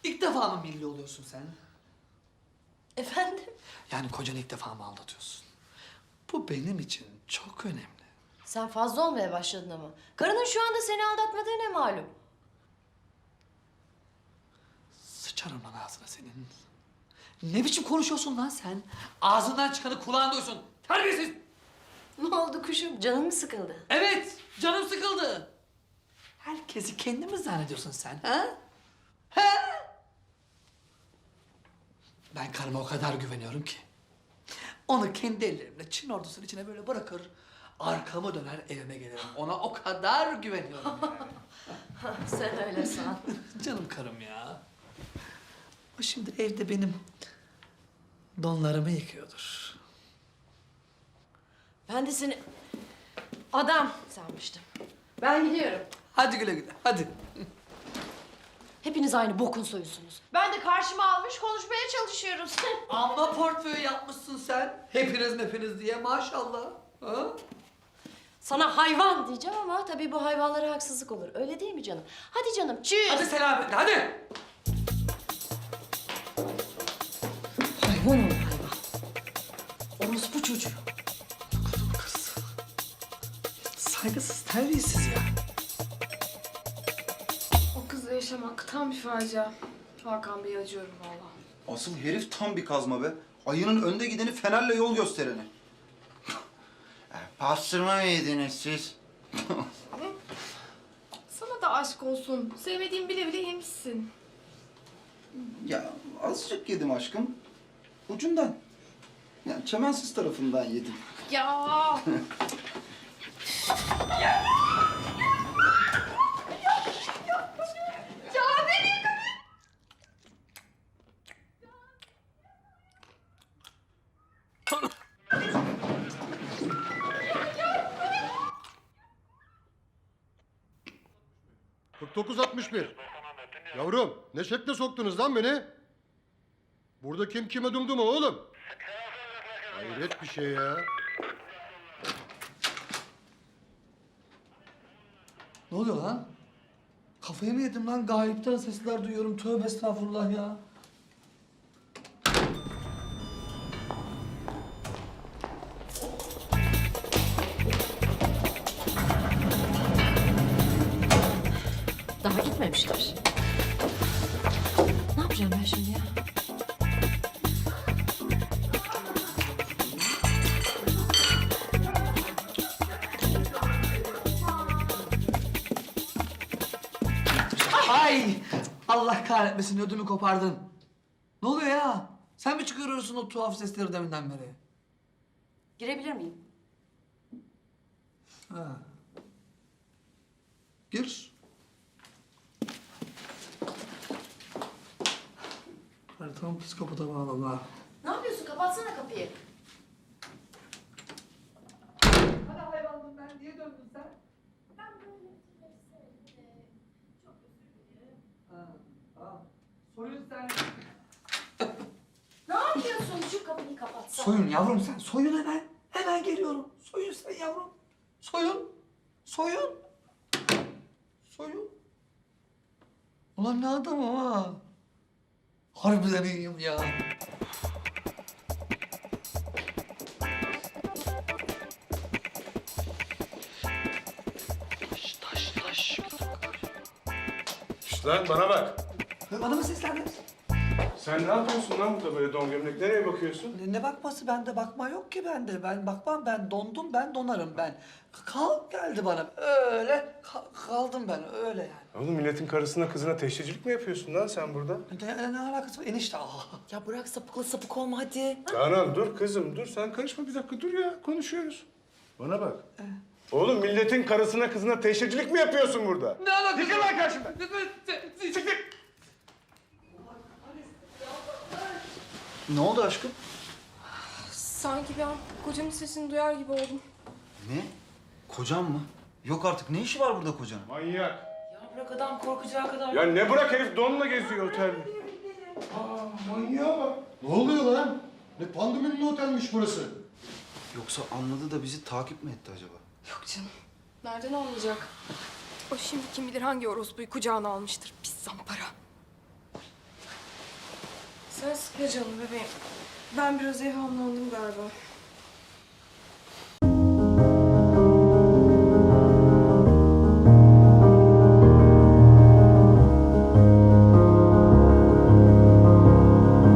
İlk defa mı milli oluyorsun sen? Efendim? Yani kocanı ilk defa mı aldatıyorsun? Bu benim için çok önemli. Sen fazla olmaya başladın ama. Karının şu anda seni aldatmadığı ne malum? Sıçarım lan ağzına senin. Ne biçim konuşuyorsun lan sen? Ağzından çıkanı kulağın duysun. Terbiyesiz! Ne oldu kuşum? Canın mı sıkıldı? Evet, canım sıkıldı. Herkesi kendi mi zannediyorsun sen, ha? Ha? Ben karıma o kadar güveniyorum ki. Onu kendi ellerimle Çin ordusunun içine böyle bırakır, arkamı döner evime gelirim. Ona o kadar güveniyorum yani. Sen öyle san. Canım karım ya. O şimdi evde benim donlarımı yıkıyordur. Ben de seni adam sanmıştım. Ben gidiyorum. Hadi güle güle, hadi. Hepiniz aynı bokun soyusunuz. Ben de karşıma almış konuşmaya çalışıyoruz. Amma portföy yapmışsın sen. Hepiniz diye maşallah. Ha? Sana hayvan diyeceğim ama tabii bu hayvanlara haksızlık olur. Öyle değil mi canım? Hadi canım, çüz. Hadi selametle, hadi. Hayvan olur hayvan. Orospu çocuğu. Kuzum kız. Saygısız, terbiyesiz ya. O kızla yaşamak tam bir facia. Hakan Bey'e acıyorum valla. Asıl herif tam bir kazma be. Ayının önde gideni fenerle yol göstereni. Pastırma mı yediniz siz? Sana da aşk olsun. Sevmediğimi bile bile yemişsin. Ya azıcık yedim aşkım. Ucundan. Yani çemensiz tarafından yedim. Ya. ...49-61. Yavrum, ne şekle soktunuz lan beni? Burada kim kime dumduma oğlum? Hayret bir şey ya. Ne oluyor lan? Kafayı mı yedim lan? Gayipten sesler duyuyorum. Tövbe estağfurullah ya. Daha gitmemişler. Ne yapacağım ben şimdi ya? Ay! Allah kahretmesin, ödümü kopardın. Ne oluyor ya? Sen mi çıkarıyorsun o tuhaf sesleri deminden beri? Girebilir miyim? Ha. Gir. Hadi tam psikopata bağladı ha. Ne yapıyorsun? Kapatsana kapıyı. Hadi hayvandım ben. Niye döndün sen? Soyun sen. Ne yapıyorsun? Şu kapıyı kapatsana. Soyun yavrum sen. Soyun hemen. Hemen geliyorum. Soyun sen yavrum. Soyun. Soyun. Soyun. Ulan ne adamım ha. Harbiden iyiyim ya. Taş. Şşt lan bana bak. Bana mı seslendin? Sen ne yapıyorsun lan burada böyle don gömlek? Nereye bakıyorsun? Ne bakması, bende bakma yok ki bende. Ben bakmam, ben dondum, ben donarım ben. Kal geldi bana. Öyle kaldım ben öyle yani. Oğlum milletin karısına kızına teşhircilik mi yapıyorsun lan sen burada? Ne alakası var? Enişte. Ah. Ya bırak sapıkla sapık olma hadi. Canan dur kızım dur sen karışma bir dakika dur ya konuşuyoruz. Bana bak. Oğlum milletin karısına kızına teşhircilik mi yapıyorsun burada? Ne alakası Yıkıl lan karşımdan. Siktir. Ne oldu aşkım? Sanki bir an kocamın sesini duyar gibi oldum. Ne? Kocam mı? Yok artık, ne işi var burada kocanın? Manyak. Ya bırak adam korkacağı kadar. Ya ne bırak herif donla geziyor otelde. Manyağa bak. Ne oluyor lan? Ne pandeminin otelmiş burası? Yoksa anladı da bizi takip mi etti acaba? Yok canım. Nereden anlayacak? O şimdi kim bilir hangi orospuyu kucağına almıştır. Pis zampara. Sen sıkma canım bebeğim. Ben biraz evhamlandım galiba.